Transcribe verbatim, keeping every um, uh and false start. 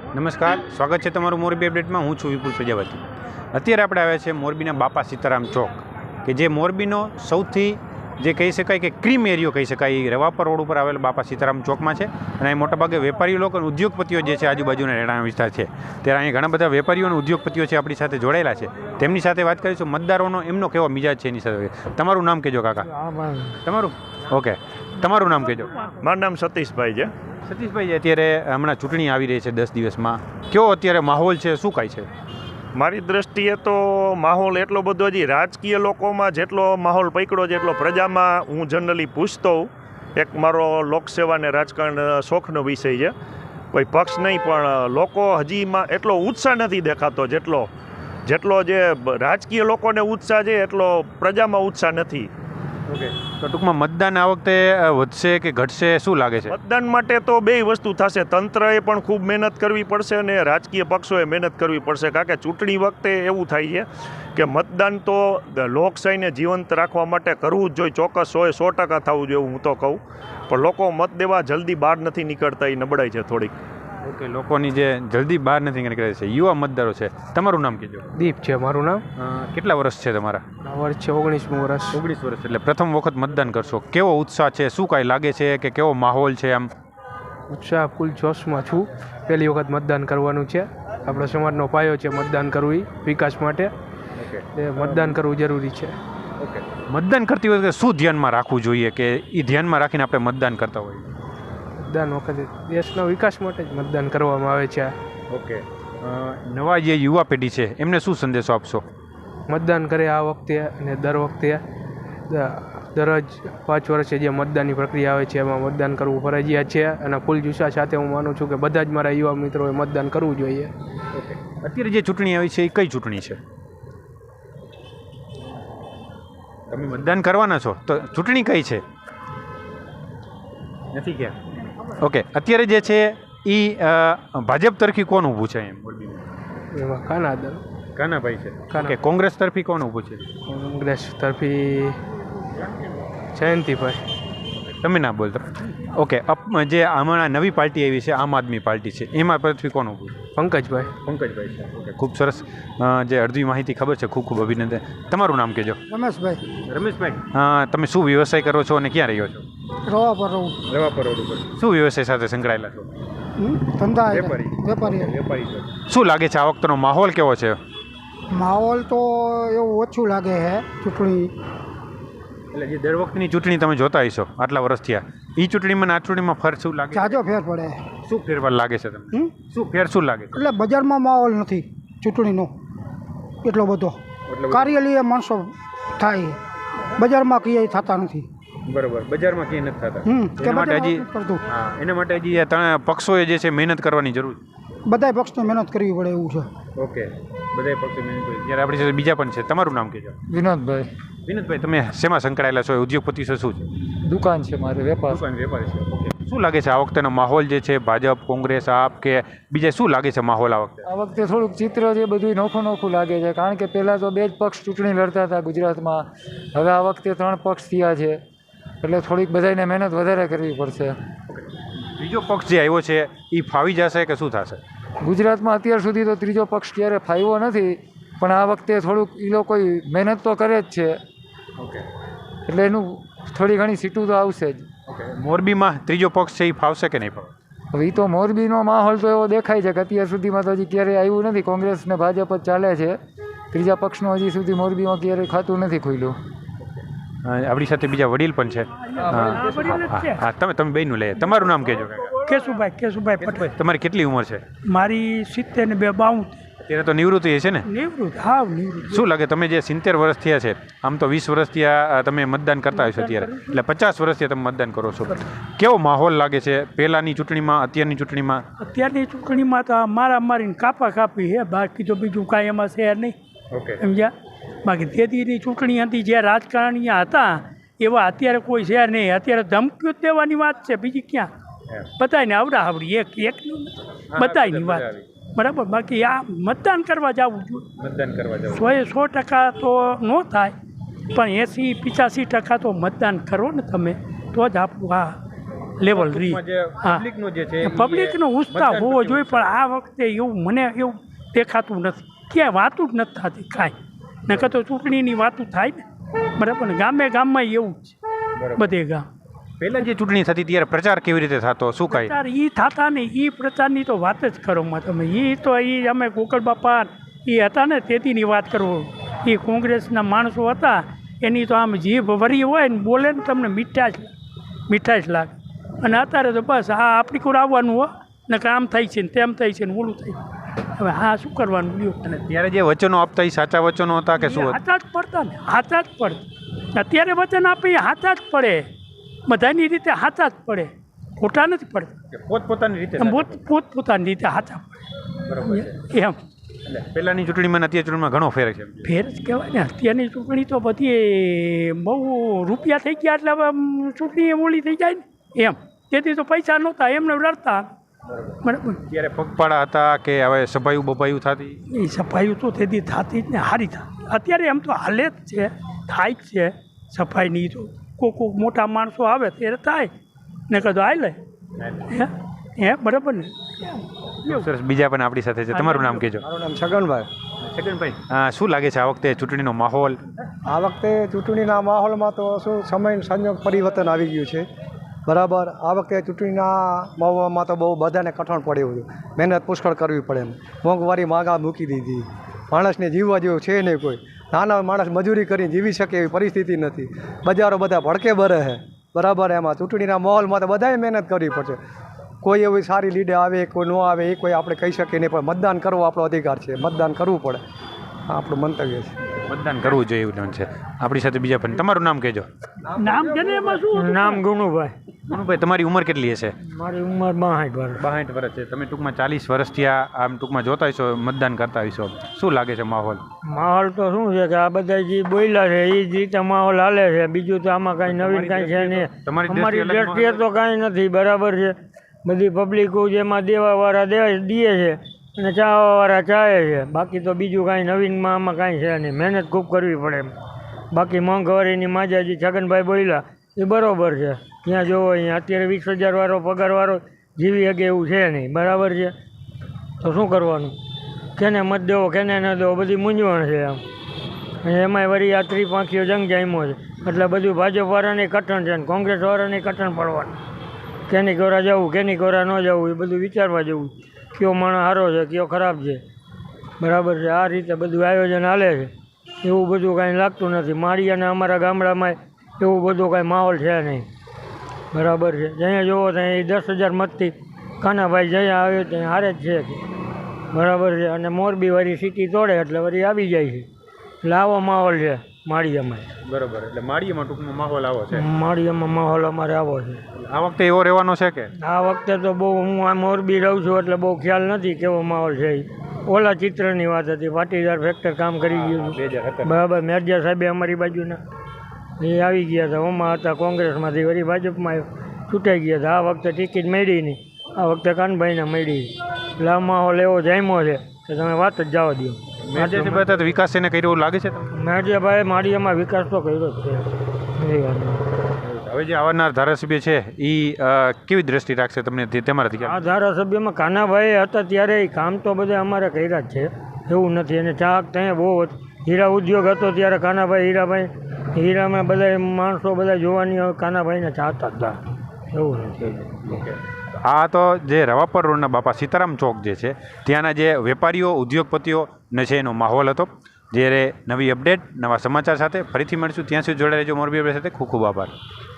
નમસ્કાર, સ્વાગત છે તમારું મોરબી અપડેટમાં. હું છું વિપુલ પ્રજાપતિ. અત્યારે આપણે આવ્યા છે મોરબીના બાપા સીતારામ ચોક, કે જે મોરબીનો સૌથી જે કહી શકાય કે ક્રીમ એરિયો કહી શકાય એ રવાપર રોડ ઉપર આવેલો બાપા સીતારામ ચોકમાં છે. અને અહીં મોટાભાગે વેપારીઓ લોકો અને ઉદ્યોગપતિઓ જે છે આજુબાજુના રહેણાંક વિસ્તાર છે, ત્યારે અહીં ઘણા બધા વેપારીઓ અને ઉદ્યોગપતિઓ છે આપણી સાથે જોડાયેલા છે. તેમની સાથે વાત કરીશું મતદારોનો એમનો કેવો મિજાજ છે એની સાથે. તમારું નામ કહેજો કાકા. તમારું ઓકે, તમારું નામ કહેજો. મારું નામ સતીશભાઈ છે. સતીશભાઈ, અત્યારે હમણાં ચૂંટણી આવી રહી છે દસ દિવસમાં, કેવો અત્યારે માહોલ છે, શું કાંઈ છે? મારી દ્રષ્ટિએ તો માહોલ એટલો બધો હજી રાજકીય લોકોમાં જેટલો માહોલ પકડ્યો છે એટલો પ્રજામાં હું જનરલી પૂછતો હોઉં. એક મારો લોકસેવા ને રાજકારણ શોખનો વિષય છે, કોઈ પક્ષ નહીં, પણ લોકો હજીમાં એટલો ઉત્સાહ નથી દેખાતો જેટલો જેટલો જે રાજકીય લોકોને ઉત્સાહ છે એટલો પ્રજામાં ઉત્સાહ નથી. ઓકે, તો ટૂંકમાં મતદાન આ વખતે વધશે કે ઘટશે, શું લાગે છે? મતદાન માટે તો બે વસ્તુ થશે. તંત્રએ પણ ખૂબ મહેનત કરવી પડશે અને રાજકીય પક્ષોએ મહેનત કરવી પડશે. કારણ કે ચૂંટણી વખતે એવું થાય છે કે મતદાન તો લોકશાહીને જીવંત રાખવા માટે કરવું જ જોઈએ, ચોક્કસ સો સો ટકા થવું જોઈએ હું તો કહું. પણ લોકો મત દેવા જલ્દી બહાર નથી નીકળતા, એ નબળાઈ છે થોડીક. ઓકે, લોકોની જે જલ્દી બહાર નથી નીકળે છે, યુવા મતદારો છે. તમારું નામ કહેજો. દીપ છે મારું નામ. કેટલા વર્ષ છે તમારા? વર્ષ છે ઓગણીસમું વર્ષ. ઓગણીસ વર્ષ, એટલે પ્રથમ વખત મતદાન કરશો. કેવો ઉત્સાહ છે, શું કાંઈ લાગે છે કે કેવો માહોલ છે? આમ ઉત્સાહ ફૂલ જોશમાં છું. પહેલી વખત મતદાન કરવાનું છે. આપણા સમાજનો પાયો છે મતદાન કરવું, વિકાસ માટે એ મતદાન કરવું જરૂરી છે. ઓકે, મતદાન કરતી વખતે શું ધ્યાનમાં રાખવું જોઈએ કે એ ધ્યાનમાં રાખીને આપણે મતદાન કરતા હોઈએ? મતદાન વખતે દેશના વિકાસ માટે જ મતદાન કરવામાં આવે છે. ઓકે, નવા જે યુવા પેઢી છે એમને શું સંદેશો આપશો? મતદાન કરે આ વખતે અને દર વખતે દરરોજ પાંચ વર્ષે જે મતદાનની પ્રક્રિયા આવે છે એમાં મતદાન કરવું ફરજિયાત છે. અને ફૂલ જુસ્સા સાથે હું માનું છું કે બધા જ મારા યુવા મિત્રોએ મતદાન કરવું જોઈએ. ઓકે, અત્યારે જે ચૂંટણી આવી છે એ કઈ ચૂંટણી છે? તમે મતદાન કરવાના છો તો ચૂંટણી કઈ છે? નથી કે ઓકે, અત્યારે જે છે એ ભાજપ તરફી કોણ ઊભું છે? એમ એમાં કાનાદર કાનાભાઈ છે. કે કોંગ્રેસ તરફી કોણ ઊભું છે? કોંગ્રેસ તરફી જયંતિભાઈ. તમે ના બોલતો. ઓકે, જે હમણાં નવી પાર્ટી આવી છે આમ આદમી પાર્ટી છે, એમાં તરફી કોણ ઊભું છે? પંકજભાઈ. પંકજભાઈ છે. ઓકે, ખૂબ સરસ. જે અડધી માહિતી ખબર છે, ખૂબ ખૂબ અભિનંદન. તમારું નામ કહેજો. રમેશભાઈ. રમેશભાઈ, હા, તમે શું વ્યવસાય કરો છો અને ક્યાં રહ્યો છો? રવાપર રોડ. રવાપર રોડ ઉપર. શું વ્યવસાય સાથે સંકળાયેલા છો? ધંધા. વેપારી. વેપારી. વેપારી છો. શું લાગે છે આ વખતનો માહોલ કેવો છે? માહોલ તો એવું ઓછું લાગે છે ચૂંટણી. એટલે જે દર વખતની ચૂંટણી તમે જોતા હશો આટલા વર્ષ થયા, એ ચૂંટણીમાં આ ચૂંટણીમાં ફરક શું લાગે? જાજો ફેર પડે. શું ફેરફાર લાગે છે તમને? શું ફેર શું લાગે? એટલે બજારમાં માહોલ નથી ચૂંટણીનો એટલો બધો. કાર્યાલય માણસો થાય, બજારમાં ક્યાંય થતા નથી. બરોબર, બજારમાં ક્યાંય નથી થતા. એના માટે હજી હા એના માટે હજી ત્રણ પક્ષોએ જે છે મહેનત કરવાની જરૂર છે. બધાય પક્ષને મહેનત કરવી પડે એવું છે. ઓકે, બધાય પક્ષે મહેનત કરવી. ત્યારે આપણી સાથે બીજા પણ છે. તમારું નામ કહેજો. વિનોદભાઈ. વિનોદભાઈ, તમે શેમાં સંકળાયેલા છો? ઉદ્યોગપતિ છો? શું છે? દુકાન છે મારે, વેપાર. દુકાન વેપારી છે. ઓકે, શું લાગે છે આ વખતેનો માહોલ જે છે, ભાજપ, કોંગ્રેસ, આપ કે બીજા, શું લાગે છે માહોલ આ વખતે? આ વખતે થોડુંક ચિત્ર જે બધું નોખું નોખું લાગે છે. કારણ કે પહેલાં તો બે જ પક્ષ ચૂંટણી લડતા હતા ગુજરાતમાં, હવે આ વખતે ત્રણ પક્ષ થયા છે, એટલે થોડીક બધાને મહેનત વધારે કરવી પડશે. ત્રીજો પક્ષ જે આવ્યો છે એ ફાવી જશે કે શું થશે? ગુજરાતમાં અત્યાર સુધી તો ત્રીજો પક્ષ ક્યારે ફાવ્યો નથી, પણ આ વખતે થોડુંક એ લોકો મહેનત તો કરે જ છે. ઓકે, એટલે એનું થોડી ઘણી સીટું તો આવશે જ. ઓકે, મોરબીમાં ત્રીજો પક્ષ છે એ ફાવશે કે નહીં ફાવે? હવે એ તો મોરબીનો માહોલ તો એવો દેખાય છે કે અત્યાર સુધીમાં તો હજી ક્યારેય આવ્યું નથી. કોંગ્રેસ ને ભાજપ જ ચાલે છે. ત્રીજા પક્ષનું હજી સુધી મોરબીમાં ક્યારેય ખાતું નથી ખુલ્યું. આપણી સાથે બીજા વડીલ પણ છે. હા, તમે તમે બેનું લે. તમારું નામ કહેજો. કેશુભાઈ. કેશુભાઈ પટેલ. તમારી કેટલી ઉંમર છે? મારી સિત્તેર ને બે બાઉન. અત્યારે તો નિવૃત્તિ છે ને? નિવૃત્ત. હા, નિવૃત્ત. શું લાગે, તમે જે સિત્તેર વર્ષ થયા છે, આમ તો વીસ વર્ષ થયા તમે મતદાન કરતા હશો અત્યારે, એટલે પચાસ વર્ષથી તમે મતદાન કરો છો, કેવો માહોલ લાગે છે પહેલાંની ચૂંટણીમાં અત્યારની ચૂંટણીમાં? અત્યારની ચૂંટણીમાં તો મારા મારીને કાપા કાપી છે, બાકી તો બીજું કાંઈ એમાં છે નહીં. ઓકે, સમજ્યા? બાકી તેદીની ચૂંટણી હતી, જે રાજકારણીયા હતા એવા અત્યારે કોઈ છે નહીં. અત્યારે ધમકીઓ જ દેવાની વાત છે, બીજી ક્યાં? બધાને આવડા આવડી એક એકનું બધાની વાત, બરાબર. બાકી આ મતદાન કરવા જવું જોઈએ. મતદાન કરવા જવું સો એ સો ટકા તો ન થાય, પણ એંસી પિચાસી ટકા તો મતદાન કરો ને તમે, તો જ આપણું આ લેવલ રહી. હા, પબ્લિકનો જે છે પબ્લિકનો ઉત્સાહ હોવો જોઈએ, પણ આ વખતે એવું મને એવું દેખાતું નથી. ક્યાંય વાતું જ નથી થતી કાંઈ. નકર તો ચૂંટણીની વાતું થાય ને, બરાબર ને. ગામે ગામમાં એવું જ છે, બધે ગામ. પહેલા જે ચૂંટણી થતી ત્યારે પ્રચાર કેવી રીતે થતો, શું કાંઈ પ્રચાર એ થતા ને એ પ્રચારની તો વાત જ કરો માં તમે. એ તો એ અમે ગોકળ બાપા એ હતા ને તેતીની વાત કરો. એ કોંગ્રેસના માણસો હતા, એની તો આમ જીભ વરી હોય ને બોલે ને તમને મીઠાશ મીઠાશ લાગે. અને અત્યારે તો બસ આ આપણી કોર આવવાનું હો ને કામ થાય છે ને તેમ થાય છે ને ઓલું થાય. હવે હા શું કરવાનું લ્યો. અને ત્યારે જે વચનો આપતા એ સાચા વચનો હતા કે શું હતું? હાથા જ પડતા ને, હાથા જ પડતા. અત્યારે વચન આપે એ હાથા જ પડે, બધાની રીતે હાથા જ પડે, ખોટા નથી પડતા. પોતપોતાની રીતે પોત પોતપોતાની રીતે હાથા પડે એમ. એટલે પહેલાંની ચૂંટણીમાં અને અત્યારની ચૂંટણીમાં ઘણો ફેર છે. ફેર જ કહેવાય ને. અત્યારની ચૂંટણી તો બધી બહુ રૂપિયા થઈ ગયા એટલે હવે ચૂંટણી ઓલી થઈ જાય ને એમ. તેથી તો પૈસા નહોતા એમને રડતા, બરાબર. ત્યારે પગપાળા હતા કે હવે સફાયું બફાયું થતી? એ સફાઈ તો તેથી થતી જ ને, સારી થતી. અત્યારે એમ તો હાલે જ છે, થાય જ છે સફાઈની. તો કોક કોક મોટા માણસો આવે ત્યારે થાય ને, કદો આવી લે હે હે બરાબર ને. સરસ. બીજા પણ આપણી સાથે છે. તમારું નામ કહેજો. મારું નામ છગનભાઈ. છગનભાઈ, હા, શું લાગે છે આ વખતે ચૂંટણીનો માહોલ? આ વખતે ચૂંટણીના માહોલમાં તો શું સમય સંજોગ પરિવર્તન આવી ગયું છે, બરાબર. આ વખતે ચૂંટણીના માહોલમાં તો બહુ બધાને કઠણ પડ્યું હતું. મહેનત પુષ્કળ કરવી પડે એમ. મોંઘવારી માગા મૂકી દીધી. માણસને જીવવા જેવું છે નહીં કોઈ. નાના માણસ મજૂરી કરીને જીવી શકે એવી પરિસ્થિતિ નથી. બજારો બધા ભડકે ભરે છે, બરાબર. એમાં ચૂંટણીના માહોલમાં તો બધાએ મહેનત કરવી પડશે. કોઈ એવી સારી લીડે આવે કોઈ ન આવે એ કોઈ આપણે કહી શકીએ નહીં, પણ મતદાન કરવો આપણો અધિકાર છે. મતદાન કરવું પડે, આ આપણું મંતવ્ય છે. મતદાન કરવું જોઈએ એવું છે. આપણી સાથે બીજા પણ. તમારું નામ કહેજો. નામ છે ને એમાં શું? નામ ગુણુભાઈ. મનુભાઈ, તમારી ઉંમર કેટલી હશે? મારી ઉંમર બાસઠ વર્ષ. બાસઠ વર્ષ છે. તમે ટૂંકમાં ચાલીસ વર્ષથી આ આમ ટૂંકમાં જોતા હશો, મતદાન કરતા હશો. શું લાગે છે માહોલ? માહોલ તો શું છે કે આ બધા જે બોલ્યા છે એ જ રીતે માહોલ હાલે છે. બીજું તો આમાં કાંઈ નવીન કાંઈ છે નહીં. અમારી દ્રષ્ટિએ તો કાંઈ નથી, બરાબર છે. બધી પબ્લિકો જેમાં દેવાવાળા દે દે છે અને ચાવાવાળા ચાહે છે. બાકી તો બીજું કાંઈ નવીનમાં આમાં કાંઈ છે નહીં. મહેનત ખૂબ કરવી પડે એમ. બાકી મોંઘવારીની માજાજી છગનભાઈ બોલ્યા એ બરાબર છે. ત્યાં જોવો અહીંયા અત્યારે વીસ હજારવાળો પગારવાળો જીવી શકે એવું છે નહીં, બરાબર છે. તો શું કરવાનું? કેને મત દેવો કેને ન દેવો બધી મૂંઝવણ છે આમ. અને એમાંય વળી આ ત્રિપાંખીઓ જંગ જામ્યો છે એટલે બધું ભાજપવાળાને કઠણ છે ને કોંગ્રેસવાળાને કઠણ પડવાનું. કેની કોરા જવું કેની કોરા ન જવું એ બધું વિચારવા જેવું. કયો માણસ સારો છે કયો ખરાબ છે, બરાબર છે. આ રીતે બધું આયોજન હાલે છે. એવું બધું કાંઈ લાગતું નથી. માળિયાના અમારા ગામડામાં એવું બધું કાંઈ માહોલ છે નહીં, બરાબર છે. જ્યાં જોવો ત્યાં એ દસ હજાર મતથી કાનાભાઈ જ્યાં આવ્યો ત્યાં હારે જ છે, બરાબર છે. અને મોરબીવાળી સિટી તોડે એટલે વળી આવી જાય છે. એટલે આવો માહોલ છે માળિયામાં. બરોબર. એટલે માળિયામાં ટૂંકમાં માહોલ આવો છે. માળિયામાં માહોલ અમારે આવો છે. આ વખતે એવો રહેવાનો છે કે? આ વખતે તો બહુ હું આ મોરબી રહું છું એટલે બહુ ખ્યાલ નથી કેવો માહોલ છે. ઓલા ચિત્રની વાત હતી. પાટીદાર ફેક્ટર કામ કરી ગયું હતું, બરાબર. મેરજા સાહેબે અમારી બાજુના એ આવી ગયા હતા. ઓમાં હતા કોંગ્રેસમાંથી, વળી ભાજપમાં છૂટાઈ ગયા હતા. આ વખતે ટિકિટ મળી નહીં, આ વખતે કાનભાઈને મળી. એટલે આ માહોલ એવો જામ્યો છે કે તમે વાત જ જવા દો. મેરજાભાઈ વિકાસ એને કર્યો એવું લાગે છે તમને? મેરજાભાઈ માળિયામાં વિકાસ તો કર્યો જ છે. એ વાત હવે જે આવનાર ધારાસભ્ય છે એ કેવી દ્રષ્ટિ રાખશે તમને તમારાથી? આ ધારાસભ્યમાં કાનાભાઈ હતા ત્યારે કામ તો બધા અમારે કર્યા જ છે, એવું નથી. અને ચાક ત્યાં બહુ હીરા ઉદ્યોગ હતો ત્યારે કાનાભાઈ હીરાભાઈ હીરામાં બધા માણસો બધા જોવાની કાનાભાઈને ચાહતા હતા, એવું નથી. આ તો જે રવાપર રોડના બાપા સીતારામ ચોક જે છે ત્યાંના જે વેપારીઓ ઉદ્યોગપતિઓ ને છે એનો માહોલ હતો. જ્યારે નવી અપડેટ નવા સમાચાર સાથે ફરીથી મળીશું. ત્યાં સુધી જોડાઈ રહેજો મોરબી અપડેટ સાથે. ખૂબ ખૂબ આભાર.